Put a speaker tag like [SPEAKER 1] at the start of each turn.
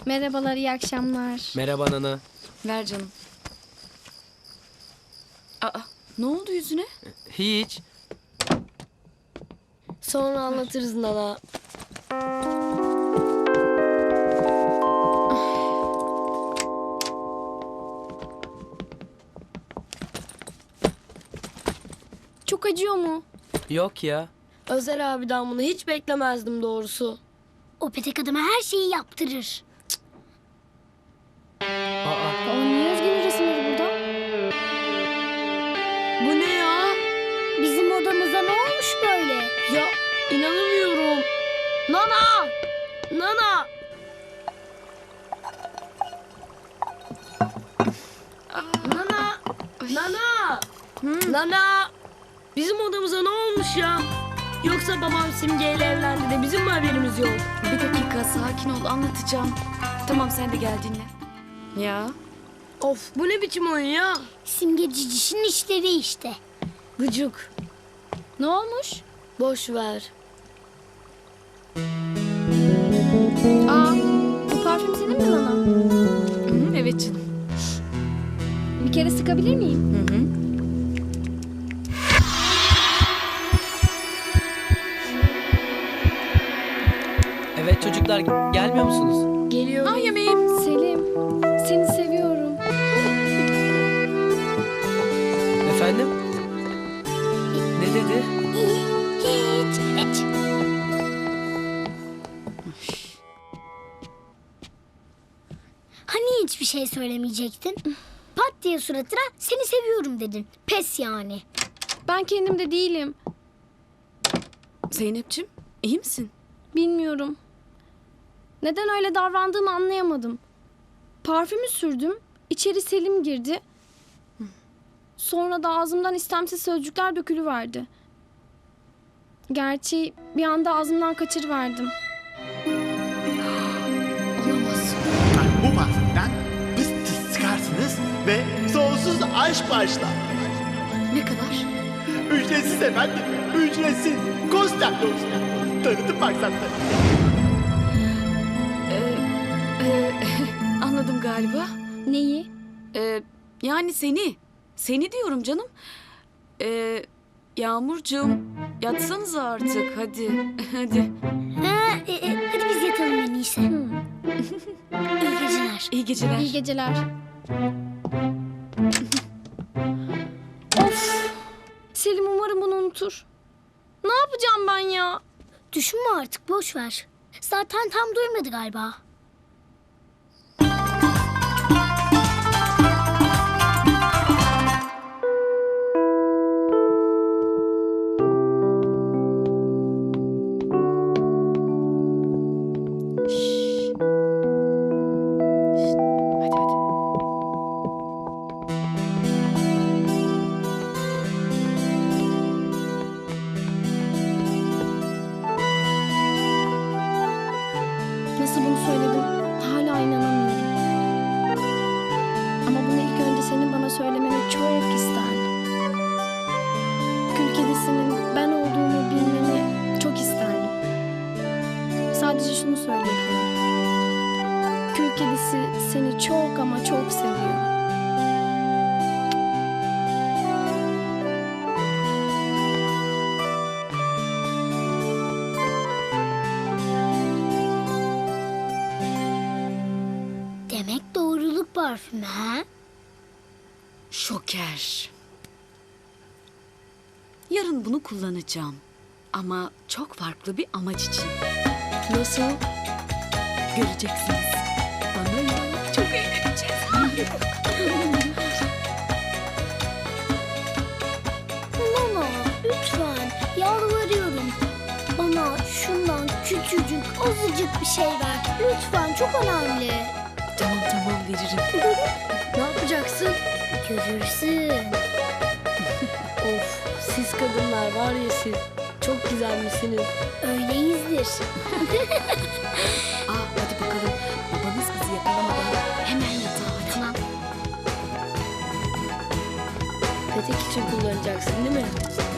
[SPEAKER 1] Merhabalar, iyi akşamlar.
[SPEAKER 2] Merhaba Nana.
[SPEAKER 3] Ver canım. Aa, ne oldu yüzüne?
[SPEAKER 2] Hiç.
[SPEAKER 4] Sonra anlatırız Nana.
[SPEAKER 1] Çok acıyor mu?
[SPEAKER 2] Yok ya.
[SPEAKER 4] Özer abiden bunu hiç beklemezdim doğrusu.
[SPEAKER 5] O petek adama her şeyi yaptırır.
[SPEAKER 2] Aa,
[SPEAKER 1] Niye Özge'nin resimleri burada?
[SPEAKER 4] Bu ne ya?
[SPEAKER 5] Bizim odamıza ne olmuş böyle?
[SPEAKER 4] Ya inanamıyorum. Nana! Nana! Nana! Nana! Nana! Bizim odamıza ne olmuş ya? Yoksa babam Simge ile evlendi de bizim mi haberimiz yok?
[SPEAKER 3] Bir dakika sakin ol anlatacağım. Tamam sen de gel dinle. Ya
[SPEAKER 4] Of bu ne biçim oyun ya?
[SPEAKER 5] Simge cicişin işleri işte.
[SPEAKER 4] Gıcık.
[SPEAKER 1] Ne olmuş?
[SPEAKER 4] Boş ver.
[SPEAKER 1] Bu parfüm senin mi Nana?
[SPEAKER 3] evet canım.
[SPEAKER 1] Bir kere sıkabilir miyim?
[SPEAKER 2] evet çocuklar gelmiyor musunuz?
[SPEAKER 4] Geliyor.
[SPEAKER 3] Ah yemeğim.
[SPEAKER 1] Selim, seni seviyorum.
[SPEAKER 2] Efendim? Ne dedi?
[SPEAKER 5] Hiç. Hani hiçbir şey söylemeyecektin? Pat diye suratına seni seviyorum dedin. Pes yani.
[SPEAKER 1] Ben kendimde değilim.
[SPEAKER 3] Zeynep'ciğim iyi misin?
[SPEAKER 1] Bilmiyorum. Neden öyle davrandığımı anlayamadım. Parfümü sürdüm, içeri Selim girdi. Sonra da ağzımdan istemsiz sözcükler dökülüverdi. Gerçi bir anda ağzımdan kaçırıverdim.
[SPEAKER 3] Olamaz.
[SPEAKER 6] Bu parfümden pıs çıkarsınız ve sonsuz aşk başlar.
[SPEAKER 3] Ne kadar?
[SPEAKER 6] Ücretsiz efendim, ücretsiz. Konstantlı olsun. Tanıtım maksatları.
[SPEAKER 3] Anladım galiba.
[SPEAKER 1] Neyi?
[SPEAKER 3] Yani seni. Seni diyorum canım. Yağmurcuğum yatsanıza artık hadi. Hadi.
[SPEAKER 5] Hadi biz yatalım en iyisi. İyi geceler.
[SPEAKER 3] İyi geceler.
[SPEAKER 1] İyi geceler. Of! Selim umarım bunu unutur. Ne yapacağım ben ya?
[SPEAKER 5] Düşünme artık boş ver. Zaten tam duymadı galiba.
[SPEAKER 3] Hadi hadi.
[SPEAKER 1] Nasıl bunu söyledim? Hala inanamıyorum. Ama bunu ilk önce senin bana söylemeni çok isterdim. Kül kedisinin ben olduğumu bilmeni çok isterdim. Sadece şunu söyleyebilirim. Kül kedisi seni çok ama çok seviyor.
[SPEAKER 5] Demek doğruluk parfümü ha?
[SPEAKER 3] Şoker. Yarın bunu kullanacağım. Ama çok farklı bir amaç için.
[SPEAKER 4] Nasıl?
[SPEAKER 3] Göreceksiniz. Bana ya. Çok eğleneceğiz.
[SPEAKER 5] Nana lütfen yalvarıyorum. Bana şundan küçücük azıcık bir şey ver. Lütfen çok önemli.
[SPEAKER 3] Tamam veririm.
[SPEAKER 4] Ne yapacaksın?
[SPEAKER 5] Görürsün.
[SPEAKER 4] Of siz kadınlar var ya siz. Çok güzelmişsiniz.
[SPEAKER 5] Öyleyizdir.
[SPEAKER 3] Hadi bakalım. Babanız bizi yakalamadan hemen yatağa hadi.
[SPEAKER 5] Tamam.
[SPEAKER 4] Petek için kullanacaksın değil mi?